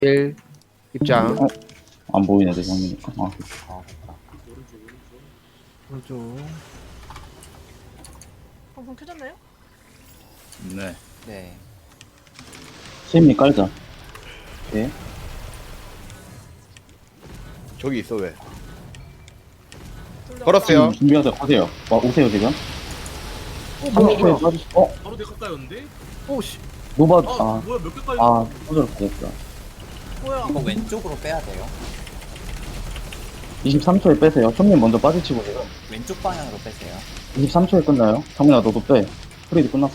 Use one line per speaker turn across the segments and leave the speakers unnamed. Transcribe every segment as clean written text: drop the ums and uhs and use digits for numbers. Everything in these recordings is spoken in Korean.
1 입장.
어? 안 보이네, 내 장면이니까. 아,
오른쪽.
방송 켜졌나요?
네.
네.
세미 깔자. 네.
저기 있어 왜?
둘다
걸었어요.
준비하자, 가세요. 와, 오세요, 지금. 30초에 빠지,
바로 대가까였는데?
오씨.
노바,
아, 뭐야 몇 개까지?
소절 됐어.
뭐야?
이거 왼쪽으로 빼야 돼요.
23초에 빼세요. 총님 먼저 빠지치고 지금.
왼쪽 방향으로 빼세요.
23초에 끝나요. 정민아, 너도 빼. 프리드 끝났어.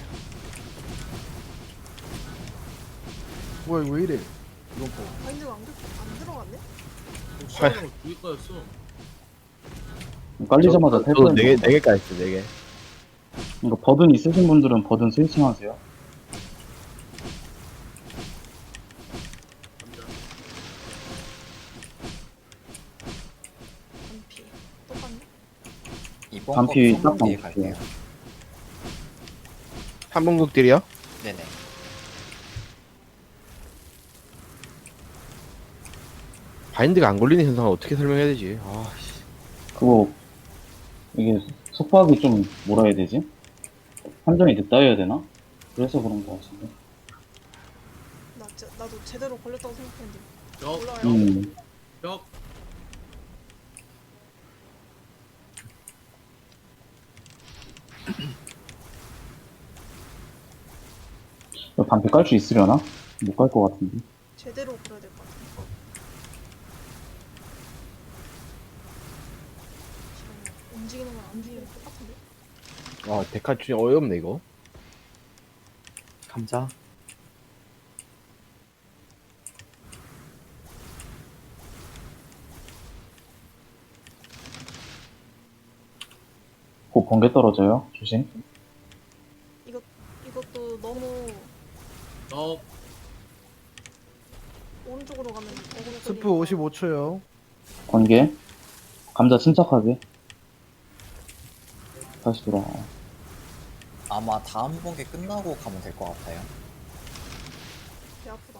뭐야 이거 왜 이래? 이건 뭐?
마인드가 안 들어갔네?
시간으로 두 개까였어.
깔리자마자
저도
탈퇴.
4개까지 있어 4개.
이거 버든 있으신 분들은 버든 스위칭 하세요.
반피. 똑같네?
이번
반피
거
딱
뒤에
나올게요.
갈게요.
3분극들이요?
네네.
바인드가 안 걸리는 현상을 어떻게 설명해야 되지? 아, 씨.
그거, 이게 속박이 좀, 뭐라 해야 되지? 판정이 늦다 해야 되나? 그래서 그런 거 같은데.
나도 제대로 걸렸다고 생각했는데.
벽,
몰라요.
벽.
이거 반피 깔 수 있으려나? 못 깔 것 같은데.
제대로 걸어야 될 것 같아. 지금 움직이는 거랑 안 움직이는 거 똑같은데?
아, 데카 진짜 어이없네 이거.
감자.
곧 번개 떨어져요. 조심.
이것도 너무
벽.
오른쪽으로 가면 어그로
스프
끌리니까.
55초요.
번개. 감자 침착하게. 다시 돌아와.
아마 다음 번개 끝나고 가면 될 것 같아요.
배 아프다.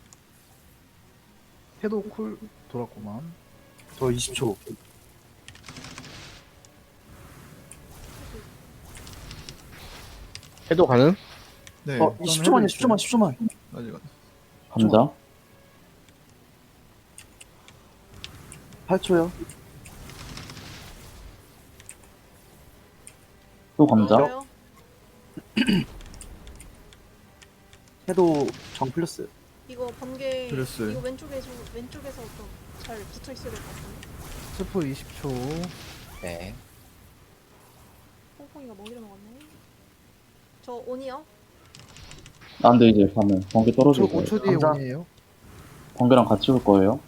해도 쿨 돌았구만.
저 20초.
해도 가능?
네.
20초만요, 10초만, 10초만.
아직 안.
감자.
8초요.
또 감자.
좋아요?
해도 정 플러스.
이거 번개
그랬어요.
이거 왼쪽에서 좀 잘 붙어 있어야 될 것 같은데.
스프 20초.
네.
퐁퐁이가 먹이러 나갔네. 저 온이요?
안 돼, 이제 가면. 번개
5초,
떨어질 거예요.
5초 뒤에
감자.
온이에요.
번개랑 같이 올 거예요.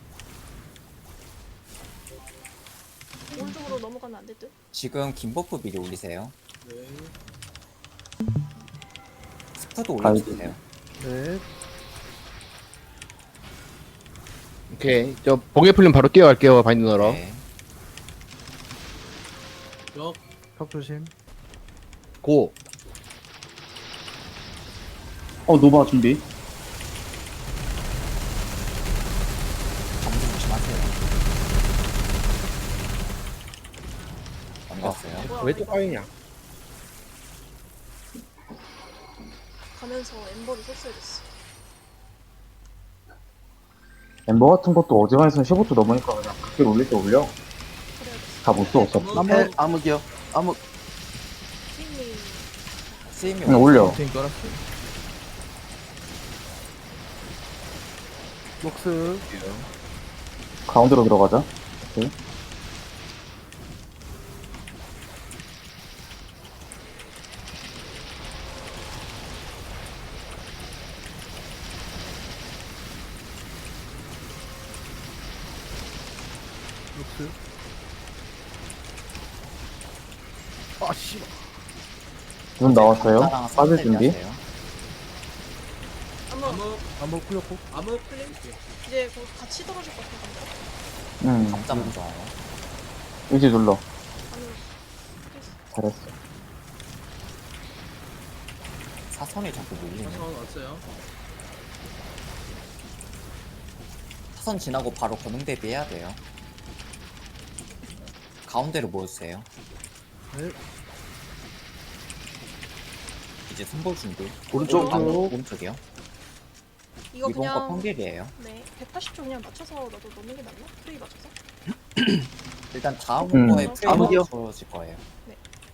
오른쪽으로 넘어가면 안 될 듯?
지금 긴 버프 미리 올리세요.
네.
스프도
가야지.
올려주세요.
네.
오케이. 저 번개 풀리면 바로 뛰어갈게요 바인드 넣으러.
네.
벽.
벽 조심.
고.
노바 준비.
정지 조심하세요. 넘겼어요.
뭐야,
왜 또
이거
까이냐?
가면서 엠버를 썼어야 됐어.
엠버 같은 것도 어지간해서 15초 넘으니까 그냥 그렇게 올릴 때 올려.
그래야 됐어.
다 못 써, 어차피.
암흑이요. 암흑.
팀이
스임이
그냥 올려.
팀 깔았어요.
녹스.
가운데로 들어가자. 오케이.
녹스. 아 씨.
눈 나왔어요.
감자랑
빠질
쌈
준비.
대비하세요.
한번
암흑.
한번 풀렸고.
암흑.
이제 거기 같이 떨어질 것 같은데.
감자 먼저 와요.
의지 눌러.
아니
잘했어.
사선이 자꾸 밀리네.
사선 왔어요.
사선 지나고 바로 권능 대비해야 돼요. 가운데로 모여주세요.
네.
이제 손볼 준비.
오른쪽.
오른쪽이요.
이거
이번 거
그냥
평길이에요.
네 180초 그냥 맞춰서 나도 넣는 게 낫나? 프레이 맞춰서?
일단 다음
음.
거에 프레임
암흑이요?
맞춰질 거예요.
네.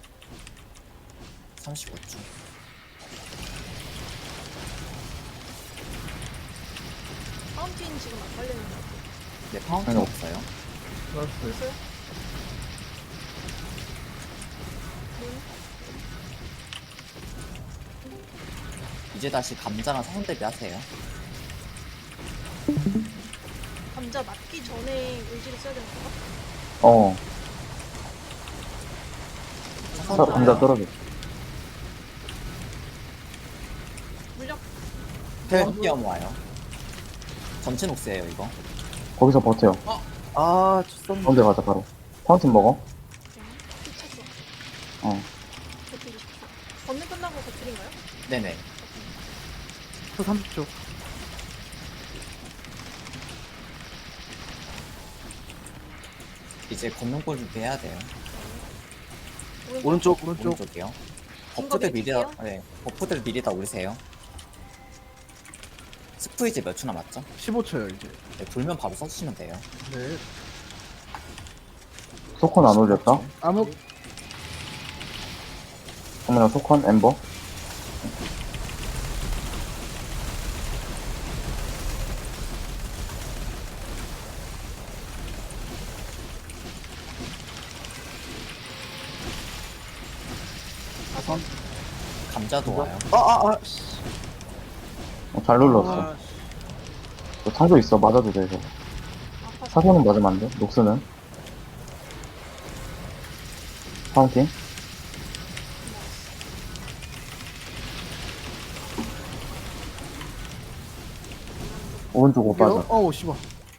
35초.
파운틴 지금 안 깔리는 것 같아요.
네, 파운틴
아니요.
없어요.
알았어요.
됐어요?
이제 다시 감자랑 사선 대비하세요.
감자 맞기 전에 의지를 써야 되는 건가?
어.
사선
감자 떨어져.
물력
뛰어 모아요. 전체 녹스예요 이거.
거기서 버텨요.
아, 쳤었네.
가운데 가자, 바로. 파운틴 먹어.
삐쳤어.
어.
버티고 싶어. 건능 끝나고 버티인가요?
네네.
또 30초.
이제 걷는골 준비해야 돼요.
오른쪽.
오른쪽이요.
긴
버프들
거
미리 다,
밀게요.
네, 버프들 미리 다 올리세요. 스프 이제 몇 초 남았죠?
15초요 이제.
네, 돌면 바로 써주시면 돼요.
네.
소콘 안 올렸다.
암흑.
그러면 소콘, 엠버.
감자도 와요.
씨.
잘 눌렀어.
아,
너 창조 있어. 맞아도 돼, 이거.
아파서.
사선은 맞으면 안 돼. 녹스는. 파운틴. 오른쪽 못 빠져.
어우 씨발.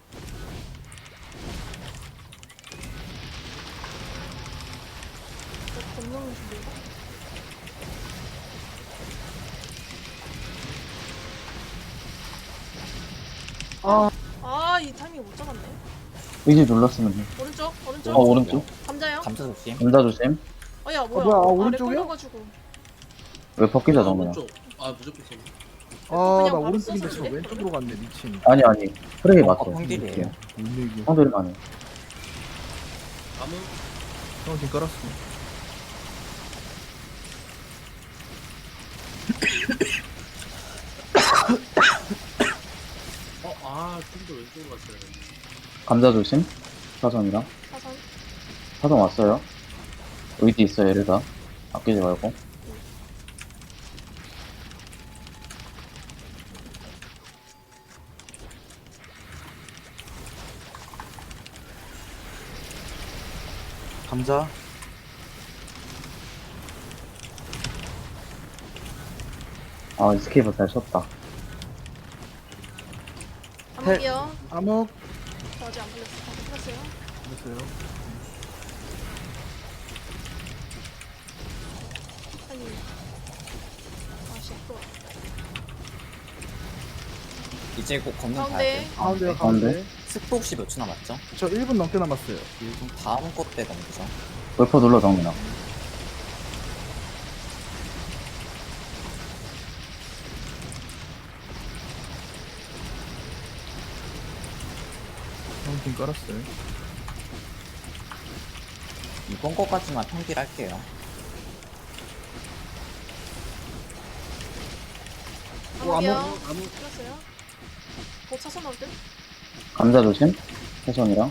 건능 준비인가? 아, 이 타이밍 못 잡았네.
의지 눌렀으면 돼.
오른쪽, 오른쪽.
오른쪽.
감자요?
감자 조심.
감자 조심.
야, 뭐야?
뭐야,
아래
오른쪽이요?
끊어가지고.
왜 벗기자, 정면.
오른쪽. 아, 무조건 써.
아,
그냥
나
바로
오른쪽인데
써서
저 왼쪽으로 갔네 미친.
아니, 프레이 맞어.
평길이에요.
뭔 얘기야?
형들만 해.
아무
지금 깔았어.
좀 더 왼쪽으로 갔어야 돼.
감자 조심. 사선이랑.
사선.
사선 왔어요. 의지 있어, 얘를 다. 아끼지 말고.
감자.
아, 스케이프 잘 쳤다.
암흑이요.
암흑.
저 아직 안 풀렸어. 풀렸어요.
됐어요.
아니. 아씨, 또.
이제 곧 걷는 가야
가운데.
돼요.
가운데요
가운데.
가운데.
스프 혹시 몇 초 남았죠?
저 1분 넘게 남았어요.
그럼 다음 거 때 넘기죠.
웨퍼 눌러, 정민아.
지금 깔았어요.
이번 거까지만 평길 할게요.
암흑이요.
암흑.
풀렸어요. 곧 사선 나올 듯?
감자 조심. 사선이랑.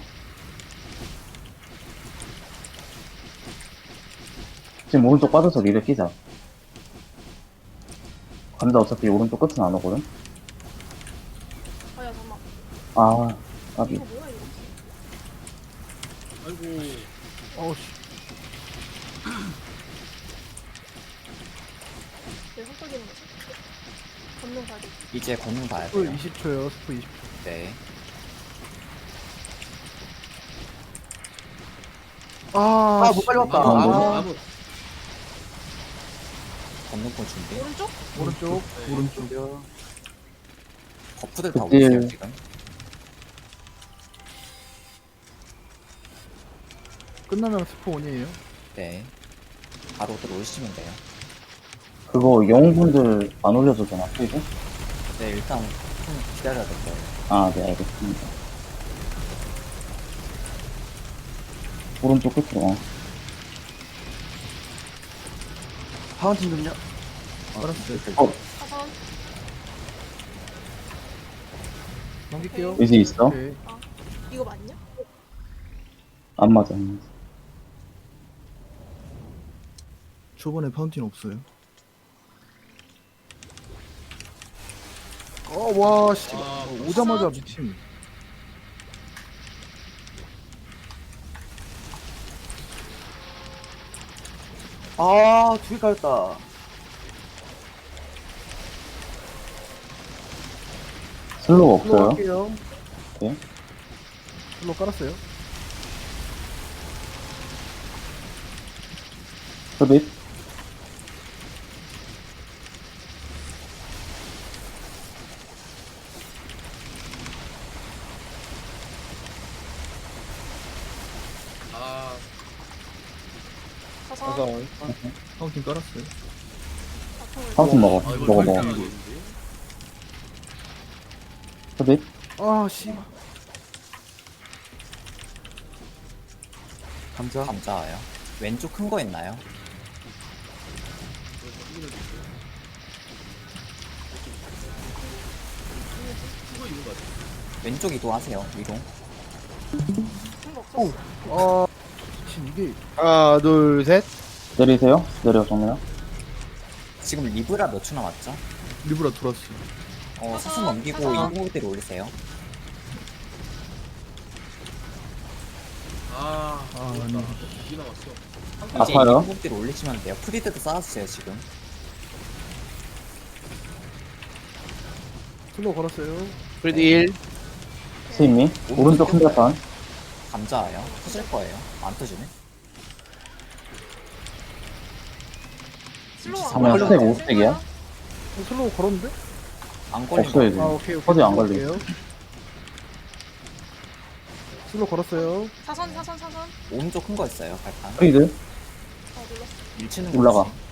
지금 오른쪽 빠져서 리를 끼자. 감자 어차피 오른쪽 끝은 안 오거든?
아, 야, 잠깐만.
아, 까비.
이거 뭐야, 이거?
아이고.
어우 씨.
왜 헛떡이는 거지? 건능 가기.
이제 걷는 가야
스프
돼요.
20초요. 스프 20초.
네.
아,
못 빨리 왔다.
아무,
아.
아무.
걷는 골 준비.
오른쪽?
오른쪽.
네.
오른쪽.
오른쪽이요.
버프들 다
그때-
올리세요 지금.
끝나면 스포 원이에요.
네. 바로 들어오시면 돼요.
그거 영웅분들 안 올려도 되나, 프리드?
네, 일단 좀 기다려야 될 거예요.
아, 네, 알겠습니다. 오른쪽 끝으로.
파운틴 좀요.
깔았어요.
사선.
넘길게요.
의지 있어?
오케이.
이거 맞냐?
안 맞아, 안 맞아.
초반에 파운틴 없어요. 와, 씨.
아,
오자마자 미친.
아, 두 개 깔렸다.
슬로우
슬로우
없어요?
할게요.
네.
슬로우 깔았어요.
흡입.
아,
사선.
파운틴 깔았어요.
바통을.
파운틴 먹어.
아 이거
먹어,
잘
먹어.
나가겠는데?
흡입.
아, 씨.
감자.
감자와요. 왼쪽 큰 거 있나요?
그거 있는 거 같아.
왼쪽 이동하세요. 이동.
큰거 없었어.
아, 미친 이게
하나, 둘, 셋.
내리세요. 내려, 정면.
지금 리브라 몇 초 남았죠?
리브라 돌았어.
사선 넘기고 인공호대로 올리세요.
아,
아니.
이게 나왔어.
이제
아파요?
인공호대로 올리시면 돼요. 프리드도 쌓았어요, 지금.
슬로우 걸었어요.
프리드 1.
스윗미. 오른쪽 큰 자판.
감자와요. 터질 거예요. 안 터지네.
슬로우 안
그러면
걸려.
스택 5스택이야?
슬로우 걸었는데?
안 걸린
없어요,
거.
지금.
아, 오케이, 오케이.
퍼즐 안
슬로우
걸려.
걸게요. 슬로우 걸었어요.
사선, 사선, 사선.
오른쪽 큰 거 있어요, 발판.
프리드.
눌렀어.
밀치는 거.
올라가.
조심.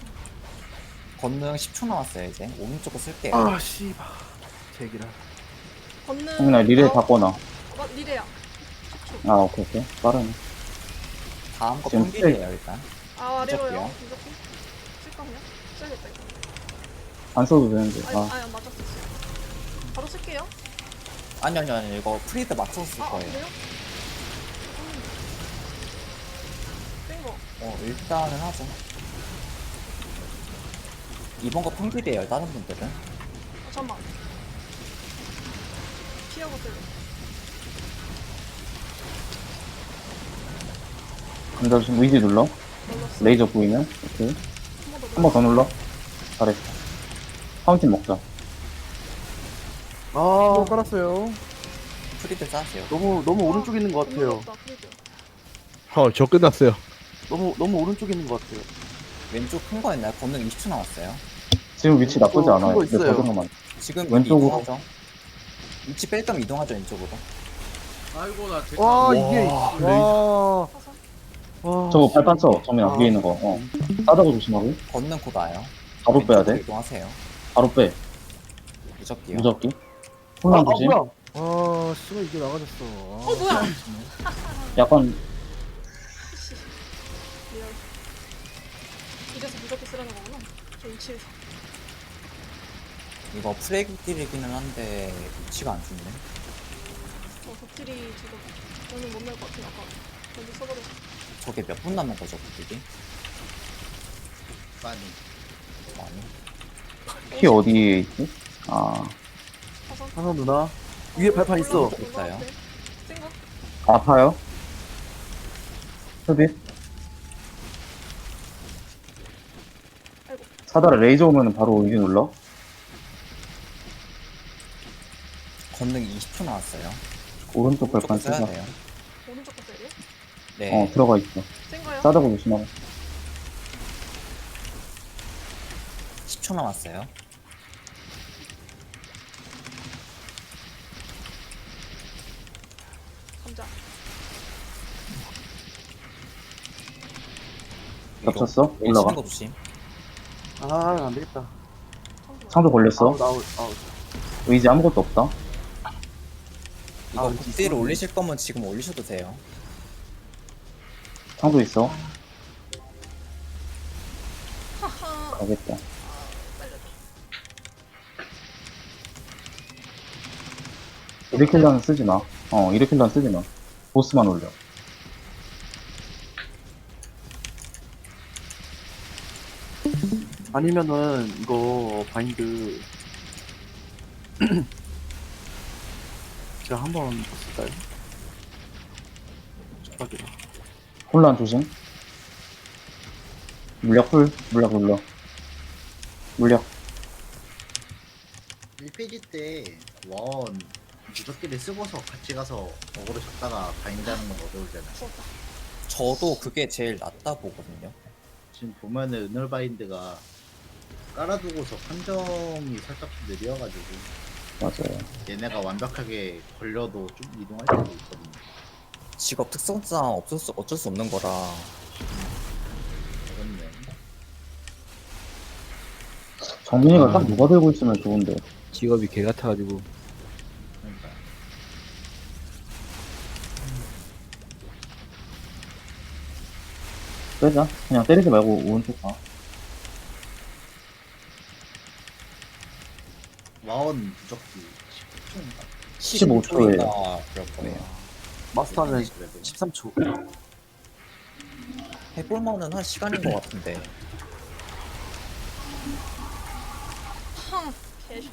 건능 10초 남았어요, 이제. 오른쪽 거 쓸게요.
아, 씨발. 제기라.
걷는.
형이나 리레이
어,
바꿔놔.
리레야.
아, 오케이, 오케이. 빠르네.
다음 거
지금
평길이에요, 일단.
아, 아래로요.
무적기요.
무적기. 쓸까 그냥? 써야겠다 이거.
안 써도 되는데.
아니,
아,
아니 맞았어. 바로 쓸게요.
아니요. 이거 프리드 맞춰서 쓸
아,
거예요.
그래요? 센 거.
일단은 하죠. 이번 거 평길이에요, 다른 분들은.
잠깐만. 피하고 쓸래.
감자 지금 의지 눌러.
눌렀어.
레이저 보이면. 오케이.
한 번 더.
한 번 더 눌러. 잘했어. 파운틴 먹자.
슬로우
아,
깔았어요.
프리드 쌓으세요.
너무 오른쪽에 있는 것 같아요.
눌렀다, 프리드.
저 끝났어요.
너무 오른쪽에 있는 것 같아요.
왼쪽 큰 거 있나요? 건능 20초 남았어요.
지금 위치 나쁘지
큰
않아요.
거
근데
있어요.
버전만.
지금
왼쪽으로.
이동하죠. 위치 뺄 겸 이동하죠, 왼쪽으로.
아이고 나 대가.
와, 이게.
사선.
와.
저거 발판 쳐. 정민아,
아.
위에 있는 거. 싸다고 조심하고.
건능 곧 와요.
바로 빼야
왼쪽으로
돼.
이동하세요.
바로 빼.
무적기요.
무적기.
아,
혼란 조심.
뭐야?
아, 씨발 이게 나가졌어.
어, 뭐야?
약간,
씨. 리얼. 이래서 무적기 쓰라는 거구나. 저 위치에서.
이거 프레기딜이기는 한데 위치가 안 좋네.
덕질이 지금 저는 못 낼 것 같아. 아까 여기 써버렸어.
저게 몇 분 남은 거죠, 그게?
많이.
아니.
키 어디에 있지? 아,
사선.
하나 누나. 위에 발판 있어.
있어요.
센 거?
아파요? 흡입.
아이고.
사다라 레이저 오면 바로 의지 눌러.
건능 20초 나왔어요.
오른쪽
조금
발판
써야
쓰자.
돼요.
오른쪽 거 써야 돼?
네.
들어가 있어.
센 거요?
싸다고 조심하고.
10초 남았어요.
감자.
겹쳤어?
치는
올라가.
거 조심.
아, 안 되겠다.
상도 걸렸어.
아웃.
의지 아무것도 없다.
이거
아,
극딜 올리실 거면 지금 올리셔도 돼요.
상도 있어.
하하.
가겠다. 이르킬러는 쓰지 마. 이르킬러는 쓰지 마. 보스만 올려.
아니면은 이거 바인드 제가 한번 쓸까요? 축하드려.
혼란 조심. 물약 풀. 물약 눌러. 물약.
1페이지 때 원 무적기를 쓰고서 같이 가서 어그로 줬다가 바인드하는 건 어려울잖아.
죽었다.
저도 그게 제일 낫다 보거든요.
지금 보면은 은얼 바인드가 깔아두고서 판정이 살짝 좀 느려가지고
맞아요.
얘네가 완벽하게 걸려도 좀 이동할 때도 있거든요.
직업 특성상 어쩔 수 없는 거라.
어렵네.
정민이가 딱 누가 들고 있으면 좋은데.
직업이 개 같아가지고.
그러니까
빼자. 그냥 때리지 말고 오른쪽 가.
와원 무적기
15초
15초인가
예요.
그럴 거예요.
마스터는
10초예요.
13초.
해볼만은 한 시간인 것 같은데.
팡. 개쇼.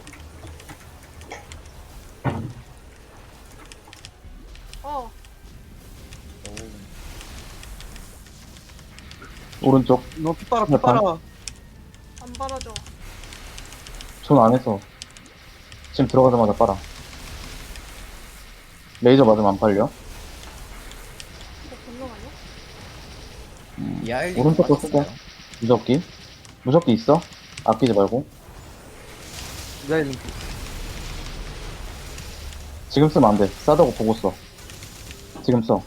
어.
오른쪽.
너 핏바라.
안 바라져.
손 안에서. 지금 들어가자마자 빨아. 레이저 맞으면 안 팔려.
이거 본능 아니야?
이아일리
오른쪽 거 쓸게. 무적기. 무적기 있어? 아끼지 말고.
이자일링.
지금 쓰면 안 돼. 싸다고 보고 써. 지금 써.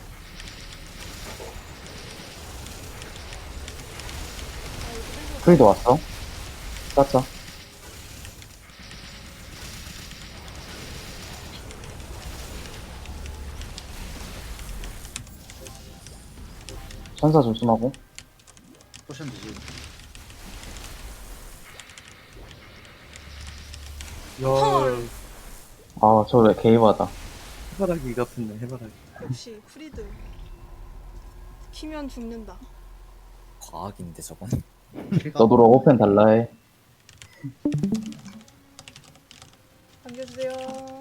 크리도 왔어. 쌌자. 천사 조심하고.
포션 드시고
야,
아, 저 왜 개이바다.
해바라기 같은데, 해바라기.
역시 프리드. 키면 죽는다.
과학인데 저건.
너도 오펜 달라 해.
남겨주세요.